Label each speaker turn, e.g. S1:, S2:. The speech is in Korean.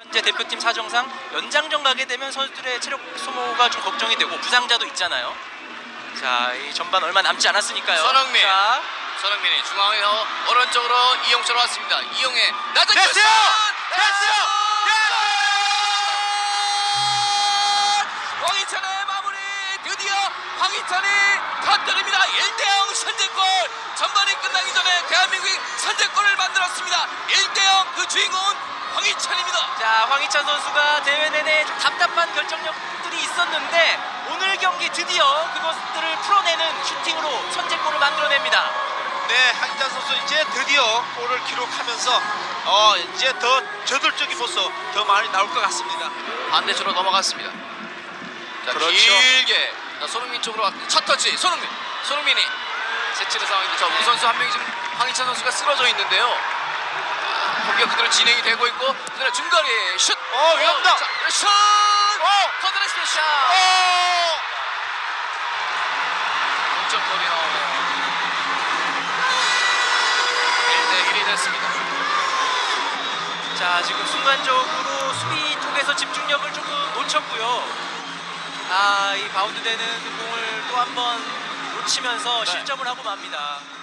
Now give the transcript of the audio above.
S1: 이제 대표팀 사정상 연장전 가게 되면 선수들의 체력 소모가 좀 걱정이 되고 부상자도 있잖아요. 자, 이 전반 얼마 남지 않았으니까요.
S2: 손흥민.
S1: 자,
S2: 손흥민이 중앙에서 오른쪽으로 이용철로 왔습니다. 이용의 낮은
S3: 됐어요!
S2: 슛!
S3: 됐어요!
S2: 황희찬의 마무리. 드디어 황희찬이 터뜨립니다. 1대0 선제골. 전반이 끝나기 전에 대한민국이 선제골을 만들었습니다. 1대0 그 주인공은 황희찬입니다.
S1: 자, 황희찬 선수가 대회 내내 좀 답답한 결정력들이 있었는데 오늘 경기 드디어 그것들을 풀어내는 슈팅으로 선제골을 만들어냅니다.
S3: 네, 황희찬 선수 이제 드디어 골을 기록하면서 이제 더 저돌적인 모습 더 많이 나올 것 같습니다.
S2: 반대쪽으로 넘어갔습니다. 자,
S3: 그렇죠.
S2: 길게 자, 손흥민 쪽으로 왔. 첫 터치 손흥민이 제치는 상황인데 자, 우리 선수 한 명이 지금 황희찬 선수가 쓰러져 있는데요. 경기가 그대로 진행이 되고 있고 그대로 중거리 슛.
S3: 위험다.
S2: 자, 슛. 커드레스의 샷. 동점골이 나오네요. 1대1이 됐습니다.
S1: 자, 지금 순간적으로 수비 쪽에서 집중력을 조금 놓쳤고요. 이 바운드 되는 공을 또 한 번 놓치면서 실점을 하고 맙니다.